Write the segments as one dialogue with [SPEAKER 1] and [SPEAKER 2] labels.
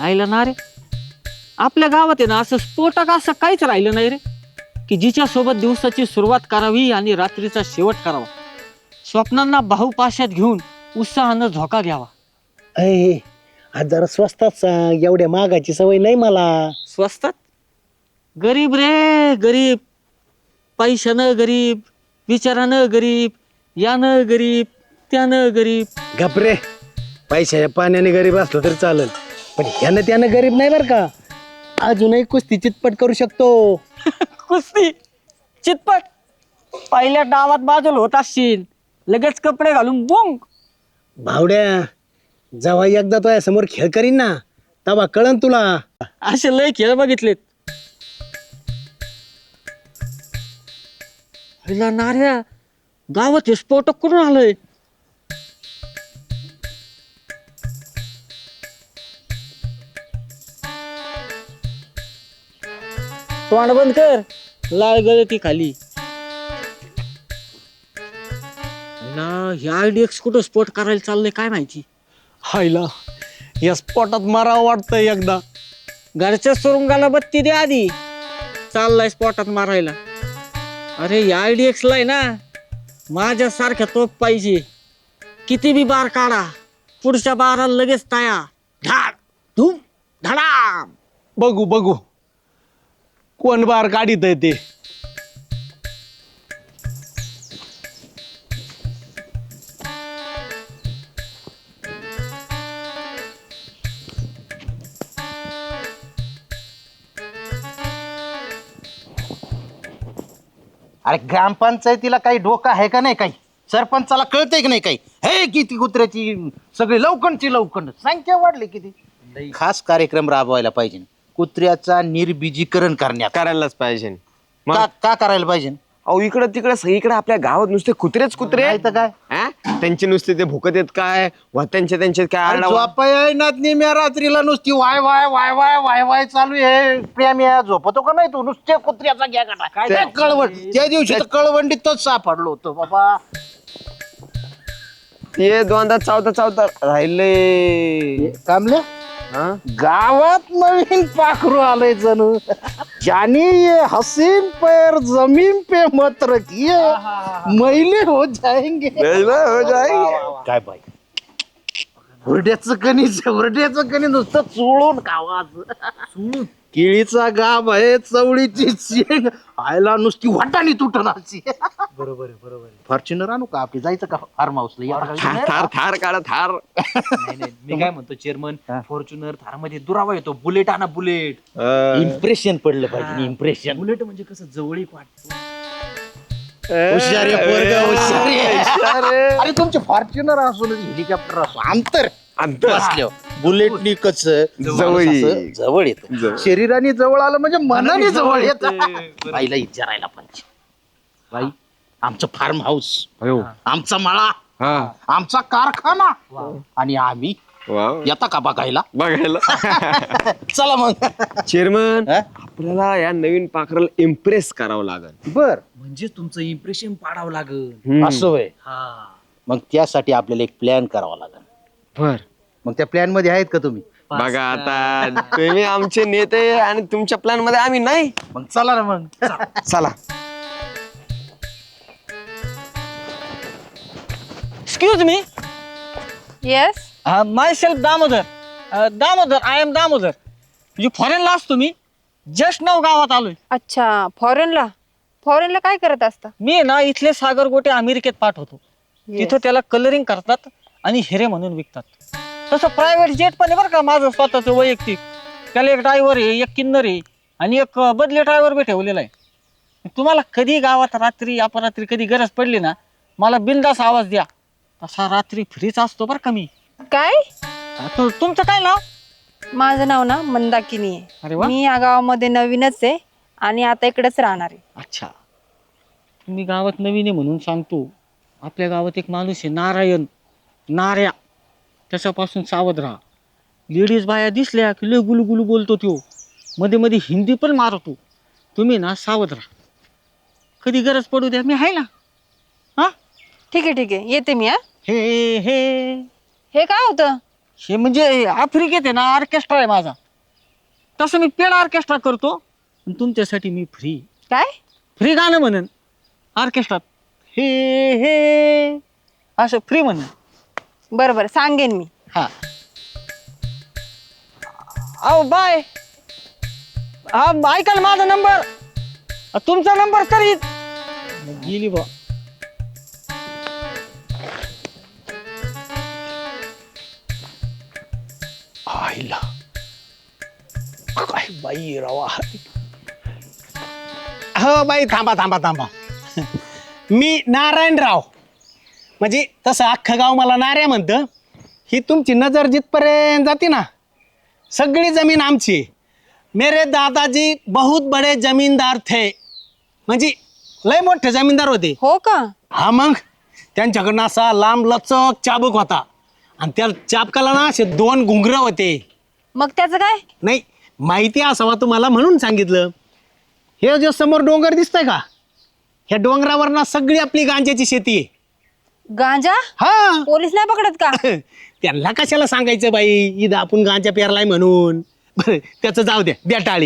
[SPEAKER 1] आईला ना रे, आपल्या गावात आहे ना असं स्फोटक असं काहीच राहिलं नाही रे, की जिच्या सोबत दिवसाची सुरुवात करावी आणि रात्रीचा शेवट करावा. स्वप्नांना बाहुपाशात घेऊन उत्साहानं झोका घ्यावा.
[SPEAKER 2] अय आज जरा स्वस्तात सांग, एवढ्या मागाची सवय नाही मला.
[SPEAKER 1] स्वस्तात गरीब रे गरीब, पैशानं गरीब, विचारानं गरीब, यानं गरीब, त्यानं गरीब.
[SPEAKER 2] घाबरे, पैशाच्या पाण्याने गरीब असलो तरी चालेल, पण ह्यानं त्यानं गरीब नाही बरं का. अजूनही कुस्ती चितपट करू शकतो.
[SPEAKER 1] कुस्ती चितपट पहिल्या डावात बाजूला होत असशील, लगेच कपडे घालून बुंग.
[SPEAKER 2] भावड्या, जेव्हा एकदा तो समोर खेळ करीन ना, तेव्हा कळन तुला.
[SPEAKER 1] असे लय खेळ बघितलेत. हिला नाऱ्या गावात हे स्फोटक करून आलंय. तोंड बंद कर, लाल गळती खाली. ह्या आयडीएक्स कुठं स्पोर्ट करायला चाललंय काय माहिती.
[SPEAKER 2] हायला या स्पॉटात मारावं वाटतंय एकदा.
[SPEAKER 1] घरच्या सुरुंगाला बत्ती दे आधी, चाललाय स्पॉटात मारायला. अरे या आयडीएक्स ला आहे ना माझ्यासारख्या तोप पाहिजे. किती बी बार काढा, पुढच्या बाराला लगेच तयार. धाड धूम धडाम.
[SPEAKER 2] बघू बघू कोण बार काढित आहे ते.
[SPEAKER 3] अरे ग्रामपंचायतीला काही डोकं आहे का नाही? काही सरपंचाला कळतंय की नाही? काही हे किती कुत्र्याची सगळी लवकणची लवकण संख्या वाढली किती. खास कार्यक्रम राबवायला पाहिजे, कुत्र्याचा निर्बीजीकरण
[SPEAKER 4] करायलाच पाहिजे.
[SPEAKER 3] का करायला पाहिजे?
[SPEAKER 4] अहो इकडं तिकडं सगळीकडे आपल्या गावात नुसते कुत्रेच कुत्रे
[SPEAKER 3] नाही तर काय.
[SPEAKER 4] हा? त्यांचे नुसते ते भुकत येत काय व त्यांचे काय आरडाओरडा.
[SPEAKER 3] झोपाय नात निम्या रात्रीला नुसती वाय वाय वाय वाय वाय वाय चालू आहे. प्रेम्या झोपतो का नाही तू? नुसते कुत्र्याचा घ्या गाठा काय कळवण. त्या दिवशी तर कळवंडीतच सापडलो होतो बाबा.
[SPEAKER 4] ते दोनदा चावता राहिले.
[SPEAKER 3] कामल्या
[SPEAKER 4] हा?
[SPEAKER 3] गावात नवीन पाखरू आलंय जणू. जानी ये हसीन पैर जमीन पे मत रखिए, मैले हो जाएंगे. काय बाई, हुरड्याचं कणी नुसतं चोळून खावाच. केळीचा गाभ आहे, चवळीची शेंग आयला नुसती वाटाणी तुटणाची. बरोबर फॉर्च्युनर आणू का आपली? जायचं का फार्म हाऊसला?
[SPEAKER 4] थार काढा थार.
[SPEAKER 5] नाही मी काय म्हणतो चेअरमन, फॉर्च्युनर थार मध्ये दुरावा येतो. बुलेट आणा बुलेट.
[SPEAKER 3] इम्प्रेशन पडलं पाहिजे. इम्प्रेशन.
[SPEAKER 5] बुलेट म्हणजे कसं जवळीक वाटतो.
[SPEAKER 3] हुशार आहे पोरगं, हुशार आहे. अरे तुमचे फॉर्च्युनर असो हेलिकॉप्टर असो, अंतर बुलेटनी कस जवळ येत. शरीराने जवळ आलं म्हणजे मनाने जवळ येत. बाईला विचारायला पाहिजे. बाई, आमचं फार्म हाऊस, आमचा मळा, आमचा कारखाना आणि आम्ही येता का बघायला? चला मग.
[SPEAKER 4] चेअरमन, आपल्याला या नवीन पाखराला इम्प्रेस करावं लागल.
[SPEAKER 3] बर,
[SPEAKER 5] म्हणजे तुमचं इम्प्रेशन पाडावं लागल.
[SPEAKER 3] असं होय. मग त्यासाठी आपल्याला एक प्लॅन करावा लागेल.
[SPEAKER 4] बर,
[SPEAKER 3] मग त्या प्लॅन मध्ये आहेत का तुम्ही?
[SPEAKER 4] बघा आता तुम्ही आमचे नेते आणि तुमच्या प्लॅन मध्ये आम्ही नाही.
[SPEAKER 3] मग चला ना मग.
[SPEAKER 4] चला.
[SPEAKER 1] Excuse me.
[SPEAKER 6] Yes.
[SPEAKER 1] My self Damodar. I am Damodar. म्हणजे फॉरेनला असतो मी. जस्ट नाव गावात आलोय.
[SPEAKER 6] अच्छा, फॉरेनला काय करत असता?
[SPEAKER 1] मी ना इथले सागर गोटे अमेरिकेत पाठवतो. तिथं त्याला कलरिंग करतात आणि हिरे म्हणून विकतात. तसं प्रायव्हेट जेट पण आहे बरं का माझं स्वतःचं वैयक्तिक. त्याला एक ड्रायव्हर आहे, एक किन्नर आहे आणि एक बदली ड्रायव्हर बी ठेवलेला आहे. तुम्हाला कधी गावात रात्री अपरात्री कधी गरज पडली ना, मला बिनधास्त आवाज द्या. तसा रात्री फ्रीच असतो बरं का मी.
[SPEAKER 6] काय?
[SPEAKER 1] तुमचं काय नाव?
[SPEAKER 6] माझं नाव ना मंदाकिनी
[SPEAKER 1] अरे
[SPEAKER 6] आहे.
[SPEAKER 1] वा.
[SPEAKER 6] मी या गावामध्ये नवीनच आहे आणि आता इकडेच राहणार आहे.
[SPEAKER 1] अच्छा, तुम्ही गावात नवीन आहे म्हणून सांगतो. आपल्या गावात एक माणूस आहे नारायण, नाऱ्या. त्याच्यापासून सावध राहा. लेडीज बाया दिसल्या की लय गुलगुलू बोलतो तो. मध्ये मध्ये हिंदी पण मारतो. तुम्ही ना सावध राहा. कधी गरज पडू द्या, मी आहे ना. हा
[SPEAKER 6] ठीक आहे येते मी. हा,
[SPEAKER 1] हे हे
[SPEAKER 6] हे काय होतं?
[SPEAKER 1] हे म्हणजे आफ्रिकेत आहे ना ऑर्केस्ट्रा आहे माझा. तसं मी पेड ऑर्केस्ट्रा करतो आणि तुमच्यासाठी मी
[SPEAKER 6] काय
[SPEAKER 1] फ्री गाणं म्हणन ऑर्केस्ट्रात. हे हे असं फ्री म्हणन.
[SPEAKER 6] बरं बरं सांगेन मी.
[SPEAKER 1] हा अहो बाय. हा ऐका ना माझा नंबर. तुमचा नंबर तरी गेली बा.
[SPEAKER 2] आईला काय बाई रावा. हो बाई थांबा थांबा थांबा. मी नारायणराव. म्हणजे तसं अख्खं गाव मला नाऱ्या म्हणतं. ही तुमची नजर जिथपर्यंत जाते ना सगळी जमीन आमची. मेरे दादाजी बहुत बडे जमीनदार थे. म्हणजे लय मोठे जमीनदार होते.
[SPEAKER 6] हो का.
[SPEAKER 2] हा मग त्यांच्याकडनं असा लांब लचक चाबूक होता आणि त्या चाबकाला ना असे 2 घुंगरं होते.
[SPEAKER 6] मग त्याचं काय.
[SPEAKER 2] नाही माहिती असावा तुम्हाला म्हणून सांगितलं. हे जो समोर डोंगर दिसतंय का ह्या डोंगरावर ना सगळी आपली गांजाची शेती आहे.
[SPEAKER 6] गांजा.
[SPEAKER 2] हा
[SPEAKER 6] पोलीस नाही पकडत का.
[SPEAKER 2] त्यांना कशाला सांगायचं बाई इथं आपण गांजा पेरलाय म्हणून. बरं त्याचं जाऊ द्या द्या टाळी.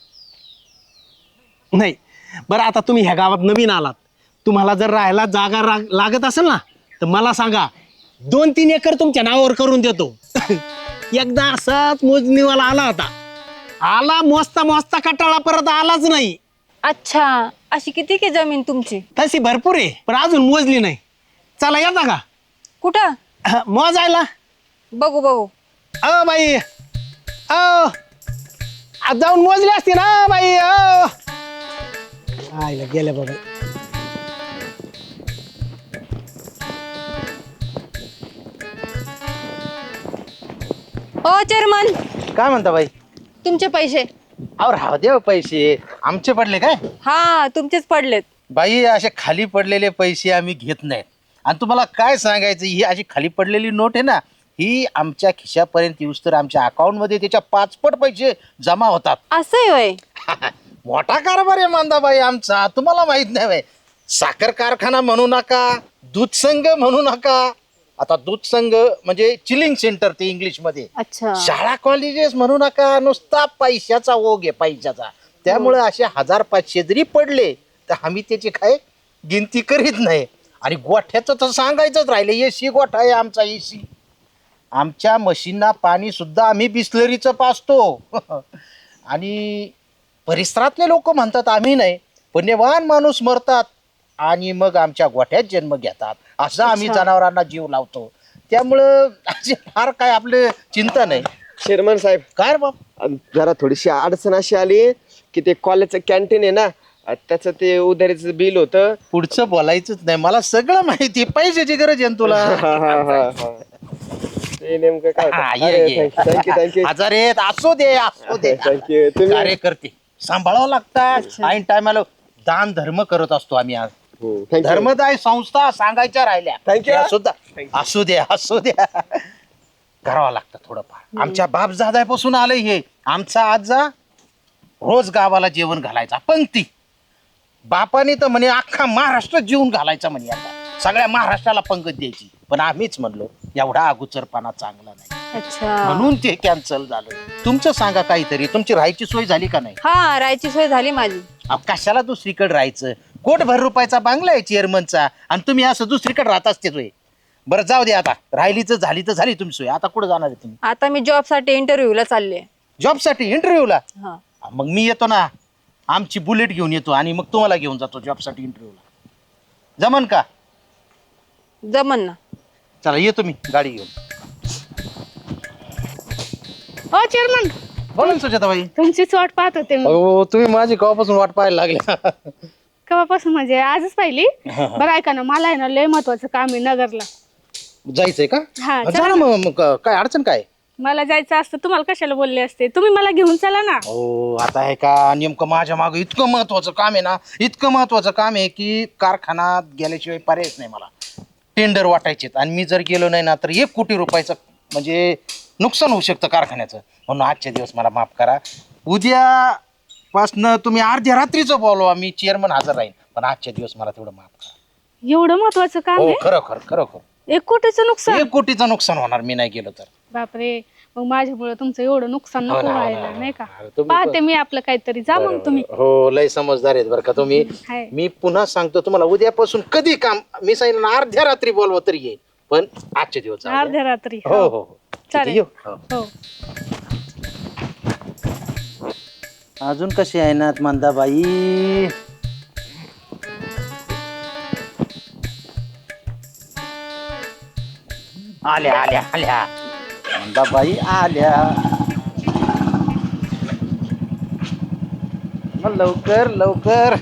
[SPEAKER 2] नाही बरं आता तुम्ही ह्या गावात नवीन आलात. तुम्हाला जर राहायला जागा लागत असेल ना तर मला सांगा 2-3 एकर तुमच्या नावावर करून देतो. एकदा असाच मोजणीवाला आला होता. आला मोजता मोजता कटाळा परत आलाच नाही.
[SPEAKER 6] अच्छा अशी किती की जमीन तुमची.
[SPEAKER 2] तशी भरपूर आहे पण अजून मोजली नाही. चला येता का
[SPEAKER 6] कुठं.
[SPEAKER 2] मोजायला.
[SPEAKER 6] बघू बघू.
[SPEAKER 2] अ बाई जाऊन मोजली असती ना बाई. आईला गेल्या बाबा.
[SPEAKER 6] ओ चेअरमन
[SPEAKER 3] काय म्हणता बाई?
[SPEAKER 6] तुमचे पैसे.
[SPEAKER 3] अहो राहू दे पैसे आमचे पडले काय?
[SPEAKER 6] हा तुमचेच पडलेत.
[SPEAKER 3] बाई असे खाली पडलेले पैसे आम्ही घेत नाहीत. आणि तुम्हाला काय सांगायचं ही अशी खाली पडलेली नोट आहे ना ही आमच्या खिशापर्यंत येऊस तर आमच्या अकाउंटमध्ये त्याच्या 5 पट पैसे जमा होतात.
[SPEAKER 6] असं होय.
[SPEAKER 3] मोठा कारभार आहे मांदाबाई आमचा. तुम्हाला माहित नाही बाई. साखर कारखाना म्हणू नका, दूध संघ म्हणू नका. आता दूध संघ म्हणजे चिलिंग सेंटर ते इंग्लिश मध्ये.
[SPEAKER 6] अच्छा.
[SPEAKER 3] शाळा कॉलेजेस म्हणू नका. नुसता पैशाचा ओघ आहे पैशाचा. त्यामुळे असे 1500 जरी पडले तर आम्ही त्याची काय गिनती करीत नाही. आणि गोठ्याचं तर सांगायचंच राहिलं. एसी गोठा आहे आमचा एसी. आमच्या मशीनना पाणी सुद्धा आम्ही बिस्लरीचं पाजतो. आणि परिसरातले लोक म्हणतात आम्ही नाही पुण्यवान माणूस मरतात आणि मग आमच्या गोठ्यात जन्म घेतात असं आम्ही जनावरांना जीव लावतो. त्यामुळं असे फार काय आपले चिंता नाही.
[SPEAKER 4] चेअरमन साहेब
[SPEAKER 3] काय रे बाप
[SPEAKER 4] जरा थोडीशी अडचण अशी आली की ते कॉलेजचं कॅन्टीन आहे ना त्याचं ते उधारीचं बिल होतं.
[SPEAKER 3] पुढचं बोलायचंच नाही. मला सगळं माहिती. पैशाची गरज आहे ना तुला.
[SPEAKER 4] ते नेमकं
[SPEAKER 3] हा, ये.
[SPEAKER 4] थँक्यू
[SPEAKER 3] आजार येत असू दे असू दे.
[SPEAKER 4] थँक्यू. तुम्ही
[SPEAKER 3] कार्यकर्ते सांभाळावं लागतात. ऐन टायमाला दान धर्म करत असतो आम्ही. आज
[SPEAKER 4] थँक्यू.
[SPEAKER 3] धर्मदाय संस्था सांगायच्या राहिल्या
[SPEAKER 4] Thank you.
[SPEAKER 3] त्या सुद्धा असू द्या असू द्या करावं लागतं थोडंफार. आमच्या बापजाद्यापासून आलंय हे. आमचा आजा रोज गावाला जेवण घालायचा पंक्ती. बापाने तर म्हणे अख्खा महाराष्ट्र जेवण घालायचा म्हणे. आता सगळ्या महाराष्ट्राला पंगत द्यायची. पण आम्हीच म्हणलो एवढा अगोचरपणा चांगला नाही
[SPEAKER 6] अच्छा.
[SPEAKER 3] म्हणून ते कॅन्सल झालं. तुमचं सांगा काहीतरी. तुमची राहायची सोय झाली का नाही?
[SPEAKER 6] हा राहायची सोय झाली माझी.
[SPEAKER 3] कशाला दुसरीकडे राहायचं. कोटभर रुपयाचा बांगला आहे चेअरमनचा आणि तुम्ही असं दुसरीकडे राहत असते सोय. बरं जाऊ दे आता. राहिलीच झाली तर झाली तुमची सोय. आता कुठं जाणार आहे तुम्ही?
[SPEAKER 6] आता मी जॉब साठी इंटरव्ह्यूला चालले.
[SPEAKER 3] जॉबसाठी इंटरव्ह्यूला?
[SPEAKER 6] हा
[SPEAKER 3] मग मी येतो ना. आमची बुलेट घेऊन येतो आणि मग तुम्हाला घेऊन जातो जॉबसाठी इंटरव्ह्यूला. जमन का?
[SPEAKER 6] जमन ना.
[SPEAKER 3] चला येतो मी गाडी घेऊन.
[SPEAKER 7] हो चेअरमन
[SPEAKER 3] बोला ना सुजाताबाई.
[SPEAKER 7] तुमचीच वाट पाहत होते मी.
[SPEAKER 3] हो तुम्ही माझी केव्हापासून वाट पाहायला लागल्या.
[SPEAKER 7] केव्हापासून म्हणजे आजच पाहिली. बरं ऐका ना मला आहे ना लय महत्वाचं काम आहे नगरला.
[SPEAKER 3] जायचंय का?
[SPEAKER 7] हा
[SPEAKER 3] जा ना मग काय अडचण काय?
[SPEAKER 7] मला जायचं असतं तुम्हाला कशाला बोलले असते. तुम्ही मला घेऊन चला ना.
[SPEAKER 3] हो आता आहे का नेमकं माझ्या मागं इतकं महत्वाचं काम आहे ना. इतकं महत्वाचं काम आहे की कारखान्यात गेल्याशिवाय पर्यायच नाही मला. टेंडर वाटायचे आणि मी जर गेलो नाही ना तर 1 कोटी रुपयाचं म्हणजे नुकसान होऊ शकतं कारखान्याचं. म्हणून आजचे दिवस मला माफ करा. उद्यापासनं तुम्ही अर्ध्या रात्रीचं बोलवा. मी चेअरमन हजर राहीन. पण आजच्या दिवस मला तेवढं माफ करा.
[SPEAKER 7] एवढं महत्वाचं काम
[SPEAKER 3] हो
[SPEAKER 7] आहे.
[SPEAKER 3] खरोखर खरोखर
[SPEAKER 7] 1 कोटीचं नुकसान.
[SPEAKER 3] 1 कोटीचं नुकसान होणार मी नाही गेलो तर.
[SPEAKER 7] बापरे, मग माझ्यामुळे तुमचं एवढं नुकसान नको व्हायला नाही का.
[SPEAKER 3] तुम्ही
[SPEAKER 7] पाहते मी आपलं काहीतरी, जा मग तुम्ही.
[SPEAKER 3] हो लय समजदार आहेत बरं का तुम्ही.
[SPEAKER 7] हाय.
[SPEAKER 3] मी पुन्हा सांगतो तुम्हाला, उद्यापासून कधी काम मी सांगितलं ना, अर्ध्या रात्री बोलवा तरी येईल, पण आजचे दिवस जाऊ द्या.
[SPEAKER 7] अर्ध्या रात्री.
[SPEAKER 3] हो हो हो.
[SPEAKER 7] चालेल.
[SPEAKER 3] येऊ. हो.
[SPEAKER 7] हो.
[SPEAKER 3] अजून कशी आहे ना मंदाबाई? आल्या आल्या आल्या मंदाबाई आल्या. मग लवकर लवकर.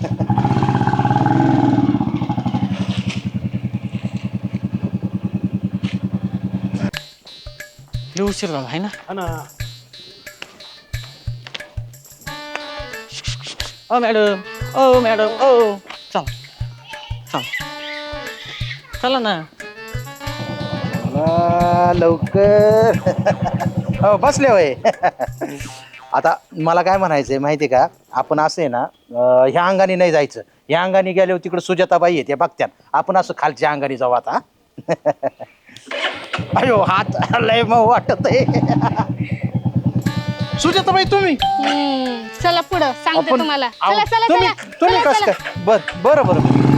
[SPEAKER 1] लय उशीर झाला आहे ना. ओ मॅडम, ओ मॅडम, ओ चला चला चला ना.
[SPEAKER 3] लवकर. हो बसले होय. आता मला काय म्हणायचंय माहितीये का, आपण असं आहे ना, ह्या अंगाने नाही जायचं. ह्या अंगाने गेल्यावर तिकडे सुजाताबाई आहेत, त्या बघत्यात. आपण असं खालच्या अंगाने जाऊ आता. अयो हात लय मग वाटत आहे. सुजाताबाई तुम्ही
[SPEAKER 7] चला पुढं सांगते तुम्हाला. चला चला
[SPEAKER 3] तुम्ही
[SPEAKER 7] चला
[SPEAKER 3] तुम्ही
[SPEAKER 7] चला,
[SPEAKER 3] कसं
[SPEAKER 7] चला.
[SPEAKER 3] काय? बरं बरं